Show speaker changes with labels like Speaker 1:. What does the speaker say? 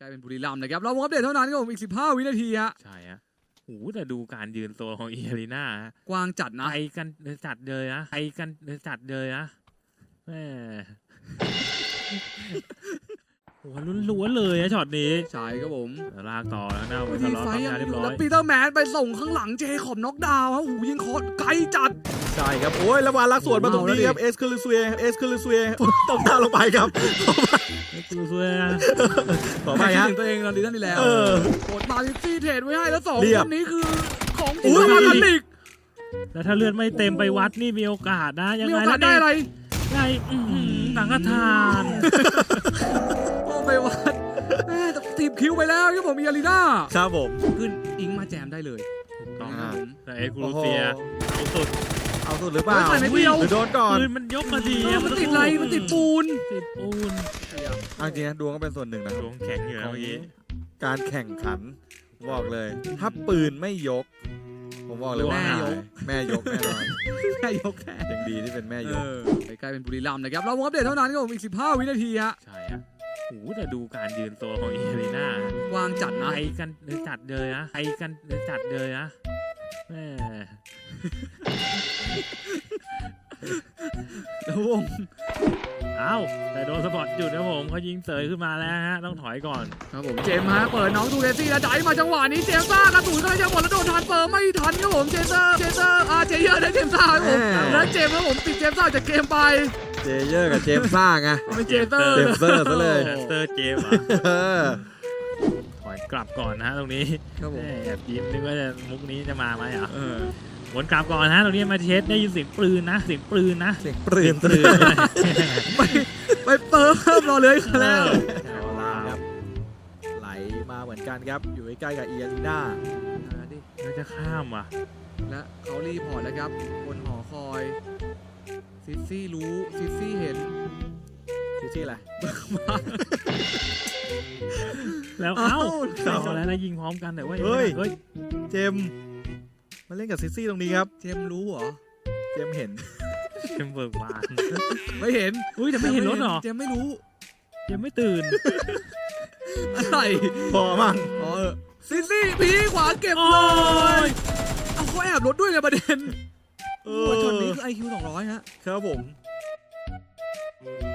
Speaker 1: กลายเป็นบุรีรัมย์นะครับเราอัปเดตเท่านั้นครับผมอีก15วินาทีฮะ
Speaker 2: ใช่ฮะโอ้แต่ดูการยืนโซนของเออารีนาก
Speaker 1: ว้างจัดนะ
Speaker 2: ไปกันจัดเลยนะไปกันจัดเลยนะแม่โอ้ล้วนๆเลยนะช็อตนี้
Speaker 1: ใช่ครับผม
Speaker 2: ลากต่อแล้วนะเวท
Speaker 1: มี
Speaker 2: ล็อก
Speaker 1: ไฟ
Speaker 2: ทำ
Speaker 1: ยัง
Speaker 2: งานเรีย
Speaker 1: อบ ยู่
Speaker 2: ร้อ
Speaker 1: แล้ว
Speaker 2: ย
Speaker 1: ปีเตอร์แมนไปส่งข้างหลังเจคอบน็อกดาวน์ฮะโอ้โหยิงคอร์ไกลจัด
Speaker 3: ใช่ครับโอ้ยแล้ววานลักสวนมาตรงนี้ครับเอสคาลิซูเอต้องหน้าลงไปครับ
Speaker 2: สวยๆนะ
Speaker 3: ขอไปฮะ
Speaker 1: ถึงตัวเองตอนนี้นั่นนี่แล้วกดมาซิตี้เทรดไว้ให้แล้ว2คนนี้คือของจริง
Speaker 3: อุ้ย
Speaker 1: มาทันอีก
Speaker 2: แล้วถ้าเลือดไม่เต็มไปวัดนี่มีโอกาสนะยัง
Speaker 1: มี
Speaker 2: ไง
Speaker 1: โอกาสได้อะไร
Speaker 2: ได้สังฆทาน
Speaker 1: โอ้ไปวัดทีมคิวไปแล้วครับผมมีอารีนา
Speaker 3: ครับผม
Speaker 1: ขึ้นอิงมาแจมได้เลย
Speaker 2: ต้อง
Speaker 3: อ่า
Speaker 2: แต่เอ็กซ์กรูเซียเอาสุด
Speaker 3: เอาสุดหรือเปล่า
Speaker 1: ใส่ไม่เดียว
Speaker 3: หรือโดนก่อน
Speaker 2: ปืนมันยกมาดี
Speaker 1: มันติดอะไรมันติดปูน
Speaker 2: ติดปูน
Speaker 3: เอาจริงนะดวงก็เป็นส่วนหนึ่งนะ
Speaker 2: ดวงแข็งอยู่นะเมื่อกี้
Speaker 3: การแข่งขันบอกเลย ถ้าปืนไม่ยก ผมบอกเลยว่าหายแม่ยกแน่นอน
Speaker 1: แค่ยกแค่
Speaker 3: ยังดีที่เป็นแม่ยก
Speaker 1: กลายเป็นบุรีรัมย์นะครับเราอัปเดตเท่านั้นครับผมอีก15วินาทีฮะ
Speaker 2: ใช่ฮะโอ้แต่ดูการยืนโซนของเออารีนาก
Speaker 1: ว้างจัดนะ
Speaker 2: ไปกันจัดเลยนะไปกันจัดเลยนะแม่
Speaker 1: แล้ววง
Speaker 2: เอ้าแต่โดนสปอร์ตจุดนะผมเขายิงเสยขึ้นมาแล้วฮะต้องถอยก่อน
Speaker 1: ครับผมเจมส์ฮะเปิดน้องดูเรซี่แล้วจ่ายมาจังหวะนี้เจมซ่ากระสุนก็เลยจะหมดแล้วโดนทานเฟิร์มไม่ทันครับผมเจเยอร์เจเยอร์ได้เจมซ่าครับผมแล้วเจมส์ครับผมติดเจมซ่าจากเกมไป
Speaker 3: เจเยอร์กับเจมซ่าไง
Speaker 1: เป็นเจเตอร์
Speaker 3: เจมเซอร์ซะเลย
Speaker 2: เตอร์เจมส์
Speaker 3: เออ
Speaker 2: ถอยกลับก่อนนะฮะตรงนี้
Speaker 1: ครับผม
Speaker 2: แอบยิ้มนึกว่าจะมุกนี้จะมาไหมอ่ะวนกลับก่อนฮะตรงนี้มาเช็ดได้ยินเสียงปืนนะเสียงปืนนะ
Speaker 3: เสียงปืน
Speaker 1: ไปเปิมรอเลยแล้ว
Speaker 3: ครับไหลมาเหมือนกันครับ อยู่ใกล้ๆกับเอียรีนา
Speaker 2: น่าจะข้ามว่ะ
Speaker 1: และเขารีพอร์ตแล้วครับบนหอคอยซิซี่รู้ซิซี่เห็น
Speaker 3: ชื่ออะไร
Speaker 2: แล้วเอ้าเอาแล้วยิงพร้อมกันแต่ว่าเฮ้ย
Speaker 3: เจมมาเล่นกับซิซี่ตรงนี้ครับ
Speaker 1: เจมรู้เหรอ
Speaker 3: เจมเห็น
Speaker 2: เจมเบิร์กบาน
Speaker 1: ไม่เห็น
Speaker 2: อุ้ยแต่ไม่เห็นรถหรอ
Speaker 1: เจมไม่รู้
Speaker 2: เจมไม่ตื่น
Speaker 1: อะไร
Speaker 3: พอมั่ง
Speaker 1: อ๋อซิซี่พีขวาเก็บเลยเอาเขาแอบรถด้วยไงประเด็นโอ้ช็อตนี้คือ IQ 200ฮะ
Speaker 3: ครับผม